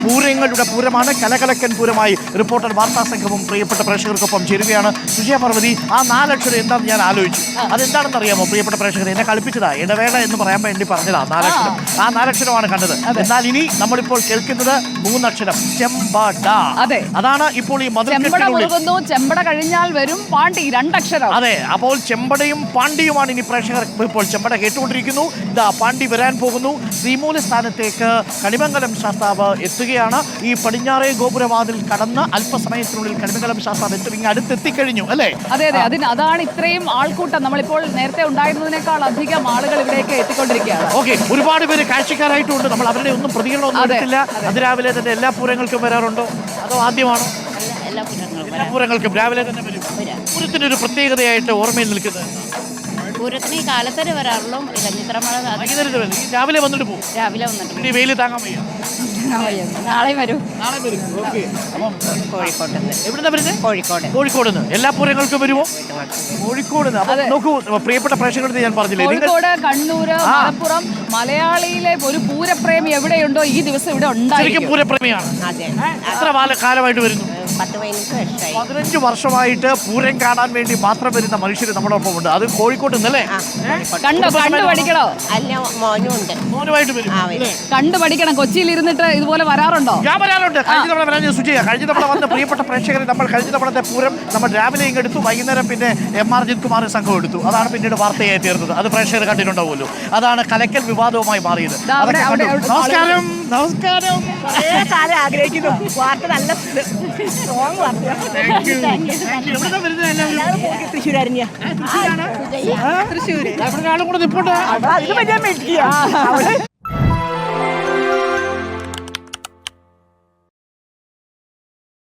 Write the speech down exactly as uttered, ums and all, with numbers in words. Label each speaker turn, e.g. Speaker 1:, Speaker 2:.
Speaker 1: പൂരങ്ങളുടെ പൂരമാണ്. കലകലക്കൻ പൂരമായി reporter വാർത്താ സംഘവും പ്രിയപ്പെട്ട പ്രേക്ഷകർക്കൊപ്പം ചേരുകയാണ്. സുജയ പാർവതി, ആ നാലക്ഷരം എന്താണെന്ന് ഞാൻ ആലോചിച്ചു. അതെന്താണെന്ന് അറിയാമോ പ്രിയപ്പെട്ട പ്രേക്ഷകർ? എന്നെ കളിപ്പിച്ചതാ, ഇടവേള എന്ന് പറയാൻ വേണ്ടി പറഞ്ഞതാ നാലക്ഷരം. ആ നാലക്ഷരമാണ് കണ്ടത്. എന്നാൽ ഇനി നമ്മളിപ്പോൾ കേൾക്കുന്നത് മൂന്നക്ഷരം, ചെമ്പട. അതാണ് ഇപ്പോൾ ഈ
Speaker 2: ചെമ്പട കഴിഞ്ഞാൽ വരും പാണ്ടി, രണ്ടക്ഷരം.
Speaker 1: അതെ, അപ്പോൾ ചെമ്പടയും പാണ്ടിയുമാണ് ഇനി പ്രേക്ഷകർ ഇപ്പോൾ ചെമ്പട കേട്ടുകൊണ്ടിരിക്കുന്നു. ഇതാ പാണ്ടി വരാൻ പോകുന്നു. ശ്രീമൂല സ്ഥാനത്തേക്ക് കണിമംഗലം ശാസ്താവ് എത്തുകയാണ്. ഈ പടിഞ്ഞാറേ ഗോപുരവാതിൽ കടന്ന് അല്പസമയത്തിനുള്ളിൽ കണിമംഗലം ശാസ്താവ് എത്തും. ഇങ്ങ് അടുത്തെത്തിക്കഴിഞ്ഞു അല്ലേ?
Speaker 2: അതെ അതെ, അതിന് അതാണ് ഇത്രയും ആൾക്കൂട്ടം. നമ്മളിപ്പോൾ നേരത്തെ ഉണ്ടായിരുന്നതിനേക്കാൾ അധികം ആളുകൾ ഇവിടേക്ക് എത്തിക്കൊണ്ടിരിക്കുകയാണ്.
Speaker 1: ഓക്കെ, ഒരുപാട് പേര് കാഴ്ചക്കാരായിട്ടുണ്ട്. നമ്മൾ അവരുടെ ഒന്നും പ്രതികരണമൊന്നും എടുത്തില്ല. അതിരാവിലെ തന്നെ എല്ലാ പൂരങ്ങൾക്കും വരാറുണ്ടോ അതോ ആദ്യമാണോ? എല്ലാ പൂരങ്ങൾക്കും രാവിലെ തന്നെ വരും. പൂരത്തിനൊരു പ്രത്യേകതയായിട്ട് ഓർമ്മയിൽ നിൽക്കുന്നത്
Speaker 3: പൂരത്തിന് ഈ കാലത്തരെ വരാറുള്ളൂ. ഇലഞ്ഞിത്രമഴ
Speaker 1: രാവിലെ വന്നിട്ട് പോകും.
Speaker 3: രാവിലെ വന്നിട്ട്
Speaker 1: ഈ വെയിൽ താങ്ങാൻ വയ്യ.
Speaker 3: നാളെ വരും.
Speaker 1: നാളെ വരും.
Speaker 3: കോഴിക്കോട്ട്
Speaker 1: എവിടുന്നാ വരുന്നത്?
Speaker 3: കോഴിക്കോട്.
Speaker 1: കോഴിക്കോട് നിന്ന് എല്ലാ പൂരങ്ങൾക്കും വരുമോ? കോഴിക്കോട് നിന്ന്. നോക്കൂ പ്രിയപ്പെട്ട പ്രേക്ഷകരുടെ, ഞാൻ പറഞ്ഞില്ലേ,
Speaker 2: കോഴിക്കോട്, കണ്ണൂര്, മലപ്പുറം, മലയാളിയിലെ ഒരു പൂരപ്രേമി എവിടെയുണ്ടോ ഈ ദിവസം ഇവിടെ ഉണ്ടായിരിക്കും.
Speaker 1: പൂരപ്രേമിയാണ്. എത്ര കാലമായിട്ട് വരുന്നു? പതിനഞ്ച് വർഷമായിട്ട് പൂരം കാണാൻ വേണ്ടി മാത്രം വരുന്ന മനുഷ്യർ നമ്മുടെ ഒപ്പം ഉണ്ട്. അത് കോഴിക്കോട്ട് നിന്നല്ലേ?
Speaker 2: കണ്ടോ, കണ്ടു പഠിക്കണോ?
Speaker 1: മോനുമായിട്ട് വരും.
Speaker 2: കണ്ടു പഠിക്കണം. കൊച്ചിയിൽ ഇരുന്നിട്ട് ഇതുപോലെ വരാറുണ്ടോ?
Speaker 1: ഞാൻ വരാറുണ്ട്. കഴിഞ്ഞ തവണ വരാൻ സുജയ, കഴിഞ്ഞ തവണ വന്ന പ്രിയപ്പെട്ട പ്രേക്ഷകരെ നമ്മൾ കഴിഞ്ഞ തവണത്തെ പൂരം നമ്മൾ രാവിലെ ഇങ്ങ് എടുത്തു, വൈകുന്നേരം പിന്നെ എം ആർ ജിത് കുമാർ സംഘം എടുത്തു. അതാണ് പിന്നീട് വാർത്തയായി തീർന്നത്. അത് പ്രേക്ഷകർ കണ്ടിട്ടുണ്ടാവുമല്ലോ. അതാണ് കലക്കൽ വിവാദവുമായി മാറിയത്. നമസ്കാരം. നമസ്കാരം.
Speaker 4: ആഗ്രഹിക്കുന്നു വാർത്ത നല്ല തൃശ്ശൂരായിരുന്നു.
Speaker 1: തൃശ്ശൂര്. അവിടെ ആളും കൂടെ നിൽപ്പുണ്ട്.